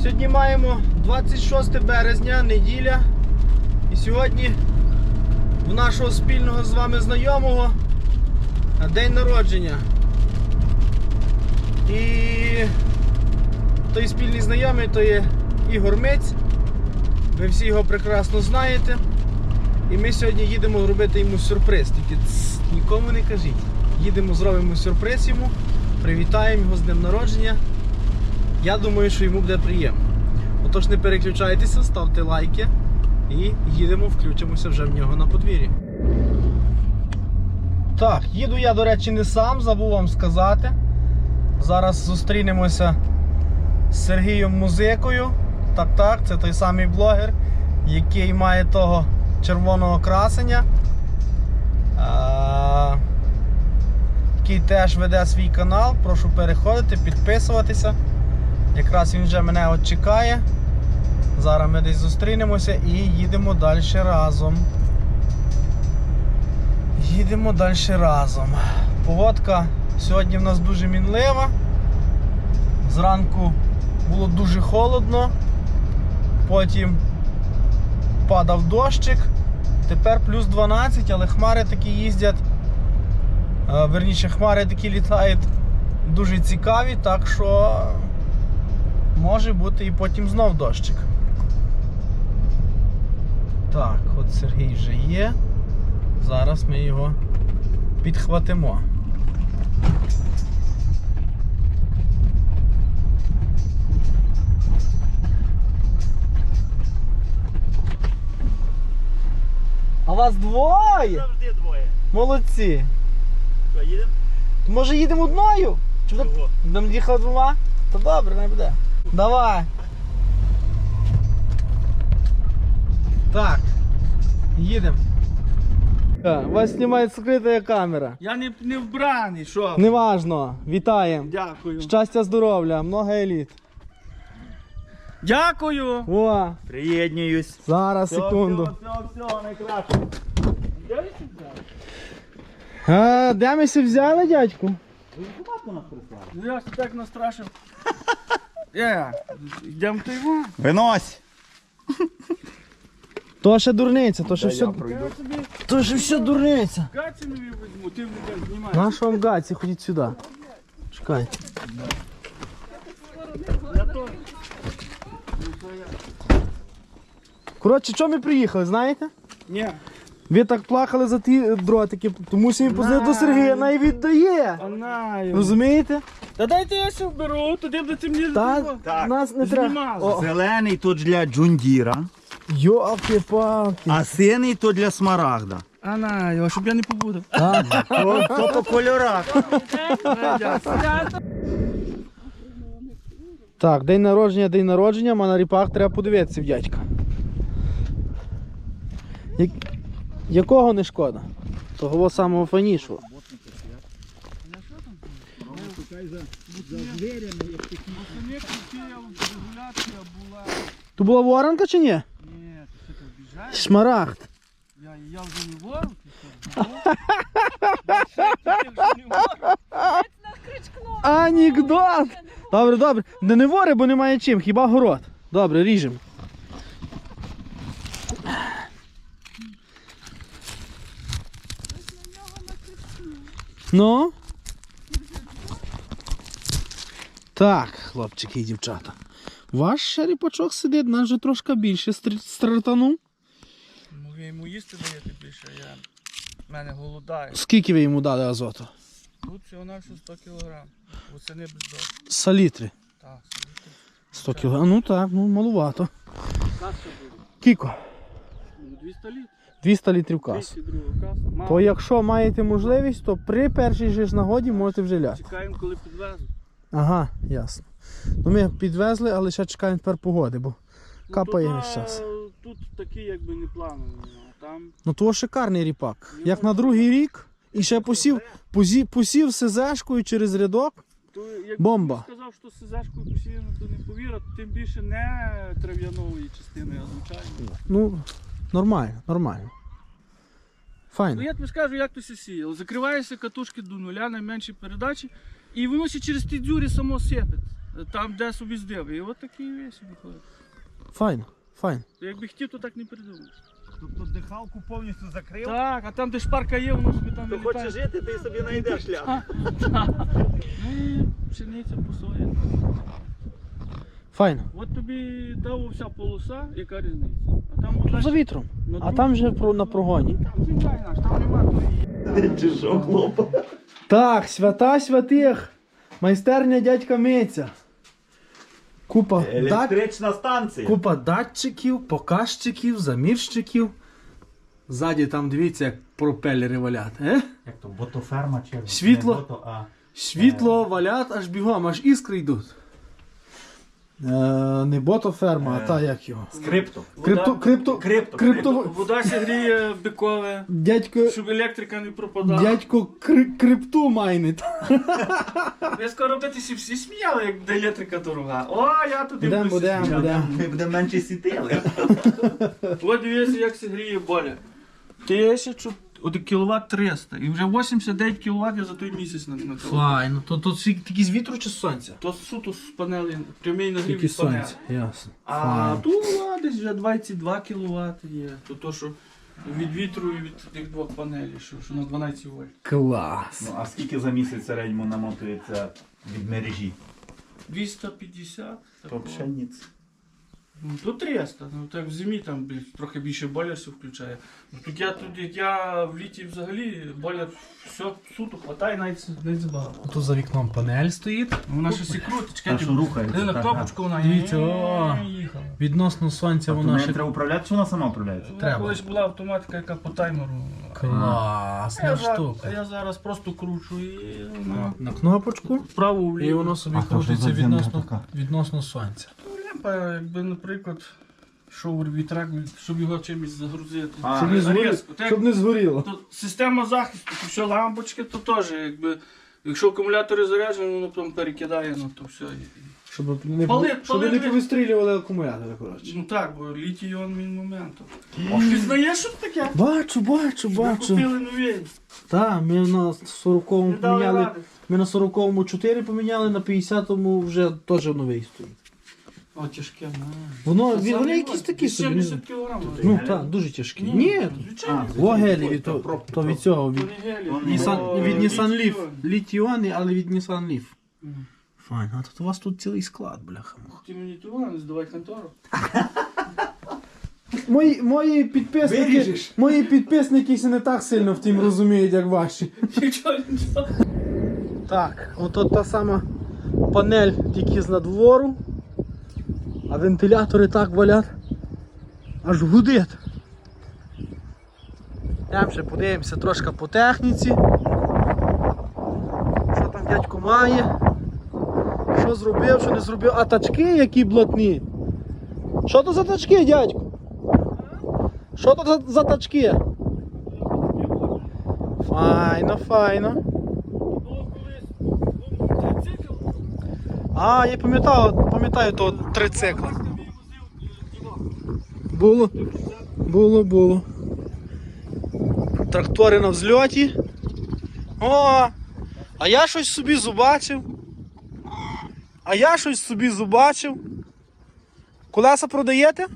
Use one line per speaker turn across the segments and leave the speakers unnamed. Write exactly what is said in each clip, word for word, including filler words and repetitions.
Сьогодні маємо двадцять шосте березня, неділя. І сьогодні в нашого спільного з вами знайомого день народження. І той спільний знайомий то є Ігор Миць. Ви всі його прекрасно знаєте. І ми сьогодні їдемо робити йому сюрприз. Тільки ц, нікому не кажіть. Їдемо, зробимо сюрприз йому, привітаємо його з днем народження. Я думаю, що йому буде приємно. Отож, не переключайтеся, ставте лайки і їдемо, включимося вже в нього на подвір'ї. Так, їду я, до речі, не сам, забув вам сказати. Зараз зустрінемося з Сергієм Музикою. Так-так, це той самий блогер, який має того червоного красення. А, який теж веде свій канал. Прошу переходити, підписуватися. Якраз він вже мене от чекає. Зараз ми десь зустрінемося і їдемо далі разом. Їдемо далі разом. Погодка сьогодні в нас дуже мінлива. Зранку було дуже холодно. Потім падав дощик. Тепер плюс дванадцять, але хмари такі їздять. Верніше, хмари такі літають дуже цікаві, так що може бути і потім знов дощик. Так, от Сергій вже є. Зараз ми його підхватимо. А вас двоє?
Завжди двоє.
Молодці.
Що, їдемо?
Може їдемо одною? Чи
Чого?
будемо їхати двома? Та добре, не буде. Давай. Так. Їдемо. Вас знімає скрита камера.
Я не, не вбраний, що?
Неважно. Вітаємо.
Дякую.
Щастя, здоров'я, много еліт.
Дякую.
О,
Приєднуюсь.
зараз,
Все,
секунду.
Все, все, все, найкраще. Де ви це взяли?
А, де ми сі взяли, дядьку?
Ви автоматку нас прислали? Ну я ж так настрашив. Е, йдемо в його.
Винось!
То ще дурниця, то ще
Та
все,
я пройду.
Я собі
то ще все дурниця.
гаці нові візьму, ти мене знімаєш.
На що вам гаці, ходіть сюди. Чекай.
Я то.
Коротше, чого ми приїхали, знаєте?
Ні.
Ви так плакали за ті дротики, тому що він позвонив до Сергія, най віддає.
Анаю.
Розумієте?
Та дайте я ще вберу, туди будете мені
Та
зробити.
Так.
нас не треба.
Знімали.
О,
Зелений то для Джундіра,
йолки-палки.
а синій то для Смарагда.
Анаю, щоб я не побудав.
То, то по кольорах.
Так, день народження, день народження, а на ріпах треба подивитися в дядька. Я... Якого не шкода? Того самого фанішого. То була воронка чи ні?
Ні, ти що ти обіжаєш?
Шмарагд.
Я, я вже не ворог, ти що? Ти вже не ворог.
Анекдот! Добре, добре. Не, не вори, бо немає чим, хіба город. Добре, ріжемо. Ну? Так, хлопчики і дівчата. Ваш ще ріпачок сидить, нас вже трошки більше стартанув.
Ну, я йому їсти даєте більше, я... в мене голодає.
Скільки ви йому дали азоту?
Тут всього на всього сто кілограм. Оце не без дощ.
Салітри.
Так,
сто кілограм. Ну так, ну малувато.
каса буде.
Кіко?
Ну, двісті літрів.
двісті літрів касу.
двісті друга каса. Мало.
То якщо маєте можливість, то при першій же ж нагоді можете вже ляти.
Чекаємо, коли підвезуть.
Ага, ясно. Ну ми підвезли, але ще чекаємо тепер погоди, бо капає
Ну,
весь
тут,
час.
а, тут такі якби не планові. а Там
Ну то шикарний ріпак. Як на другий рік і ще посів, посів, посів СЗшкою через рядок.
то, як
Бомба.
ти сказав, що сизашкою посіяно, то не повірять, тим більше не трав'яної частини, а звичайно.
Ну, нормально, нормально.
Ну
Файно.
я тобі скажу, як то се сіяло. Закриваєшся катушки до нуля, найменші передачі, і воно ще через ті дзюрі само сипить. там де собі здив. І от такий весь виходить.
Файно, файно.
Якби хотів, то так не придумав.
Тобто дихалку повністю закрив.
Так, а там де шпарка є, воно собі там
Хто
вилітає.
хоче жити, ти собі знайдеш шлях.
Ну і пшениця посоя.
Файно.
От тобі дав вся полоса, яка різниця. А там
Тут за вітром. А там вже про, на прогоні.
Там земля наш, там нема тої.
Чи що, хлопа?
Так, свята святих. Майстерня дядька Митя. Купа, дат...
Електрична станція.
Купа датчиків, показчиків, замірщиків. Ззаді там дивіться, як пропелери валять. Е?
Як то, ботоферма чи?
Світло.
Не бото, а...
Світло валять аж бігом, аж іскри йдуть. Е, не ботоферма, а та як його.
Скрипто.
Крипто, крипто,
Крипто.
крипто,
Вода сігріє бикове,
дядько,
щоб електрика не пропадала.
дядько кри, крипту майнить.
Я скоро битися всі сміяли, як буде електрика дорога. О, я туди
Будем,
буду
будем,
сміяти.
будем.
Ми будемо менше сітили.
От дивіться, як сігріє боля. Тисячу, от кіловат триста. І вже вісімдесят дев'ять кіловат я за той місяць на, на
Файно, то тут тільки з вітру чи з сонця?
То суто з панелі, прямий нагрів
Тільки
від
з
панелі.
сонця, ясно.
А
Файно.
тут а, десь вже двадцять два кіловат є. То то, що від вітру і від тих двох панелей, що, що на дванадцять вольт.
Клас.
Ну, а скільки за місяць в середньому намотується від мережі?
двісті п'ятдесят.
То
такого.
пшениць.
Ну, то триста, ну так в зимі там бі- трохи більше бойлерсів включає. Ну, тут я тут, як я в літі взагалі, бойлер все суто хватає, навіть не забагато.
Тут за вікном панель стоїть.
Вона щось і крутить,
Та, що рухається,
на
так,
кнопочку вона
Дивіться, о.
і їхала.
Відносно сонця
Тобто
вона
нею
ще...
треба управляти, чи вона сама управляється?
Вона
Треба.
колись була автоматика, яка по таймеру. А
Класна
я, за- а
штука.
я зараз просто кручу і вона
На кнопочку.
вправо
І
вліво.
воно собі
А, то вже
крутиться
зовсім
відносно,
така.
відносно сонця.
Лямпа, якби, наприклад, йшов вітрак, щоб його чимось загрузити.
А,
Щоб не, згоріло,
Резко. Так,
щоб не згоріло.
то система захисту, то все лампочки, то теж, якби, якщо акумулятори заряджені, воно потім перекидає, ну то все.
Щоб не,
Пали-
щоб
пали-
не повистрілювали акумулятори, коротше.
Ну так, бо літій іон він моментом. Ти знаєш, що це таке?
Бачу, бачу,
Ми
бачу.
купили нові.
Так, ми на сороковому
Не дали
поміняли.
ради.
Ми на сороковому чотири поміняли, на п'ятдесятому вже теж новий стоїть.
О, тяжке, на.
Воно,
Це
він- вони
самі
якісь
важкі,
такі собі. не знаю.
сімдесят кілограм.
Ну так, дуже тяжкі. Ні,
звичайно.
А,
вогелі від,
то
то,
пробки,
то від
пробки.
цього, від,
Вони гелі.
Вони
Nissan,
О,
від Nissan Leaf.
літій-іон.
Літіони, але від Nissan Leaf.
Мгм.
Файн, а тут у вас тут цілий склад, бляха.
Ти мені того не здавай контору.
Мої, мої підписники,
Виріжеш.
мої підписники ще не так сильно в тім розуміють, як ваші.
Нічого, нічого.
Так, ото та сама панель тільки з надвору, а вентилятори так валять, аж гудить. Йдемо ще подивимося трошки по техніці. Що там дядько має? Що зробив, що не зробив? А тачки які блатні? Що то за тачки, дядько? Що то за, за тачки? Файно, файно.
Було колись трицикл.
А, я пам'ятаю, пам'ятаю того трицикла. Було, було, було. Трактори на взльоті. О, а я щось собі зубачив. А я щось собі зубачив. Колеса продаєте?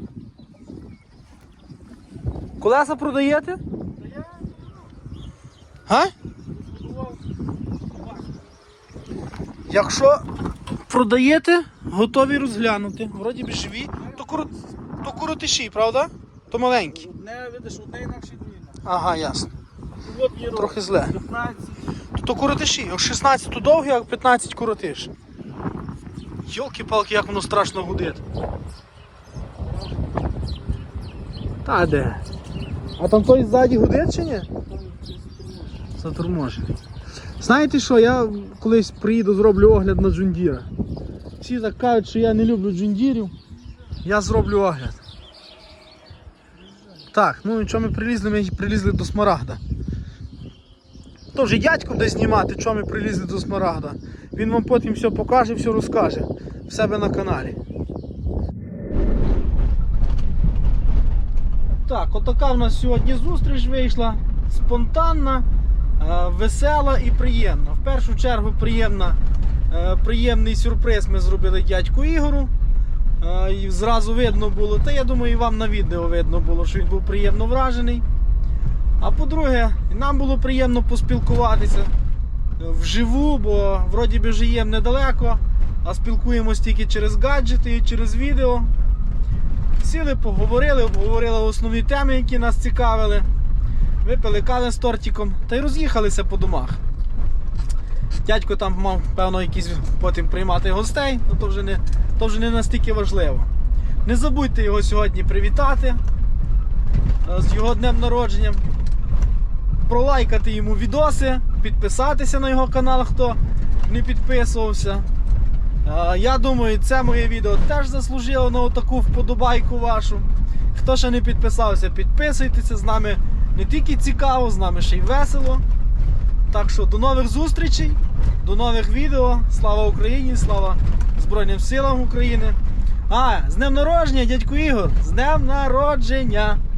Колеса продаєте? Га? Якщо продаєте, готові розглянути. Вроді б живі, то, корот... то коротиші, правда? То маленькі.
Одне, видиш, одне інакше дві.
Ага, ясно.
От є
Трохи зле.
п'ятнадцять.
То, то коротиші. Як шістнадцять то довгі, а п'ятнадцять коротиш. Йолки-палки, як воно страшно гудить. Та де? А там той ззаді гудить чи ні? Заторможений. Знаєте що, я колись приїду, зроблю огляд на джундіра. Всі так кажуть, що я не люблю джундірів. Я зроблю огляд. Так, ну і що ми прилізли? Ми прилізли до Смарагда. То вже дядько буде знімати, що ми прилізли до Смарагда. Він вам потім все покаже, все розкаже в себе на каналі. Так, отака в нас сьогодні зустріч вийшла. Спонтанна, е, весела і приємна. В першу чергу приємна Е, Приємний сюрприз ми зробили дядьку Ігору. Е, І зразу видно було, та я думаю, і вам на відео видно було, що він був приємно вражений. А по-друге, нам було приємно поспілкуватися вживу, бо вроді би живемо недалеко, а спілкуємось тільки через гаджети і через відео. Сіли, поговорили, обговорили основні теми, які нас цікавили. Випили кави з тортиком та й роз'їхалися по домах. Дядько там мав, певно, якісь потім приймати гостей, але то вже не, то вже не настільки важливо. Не забудьте його сьогодні привітати з його днем народження, пролайкати йому відоси, підписатися на його канал, хто не підписувався. Я думаю, це моє відео теж заслужило на отаку вподобайку вашу. Хто ще не підписався, підписуйтеся, з нами не тільки цікаво, з нами ще й весело. Так що до нових зустрічей, до нових відео. Слава Україні, слава Збройним силам України. А, з днем народження, дядьку Ігор! З днем народження!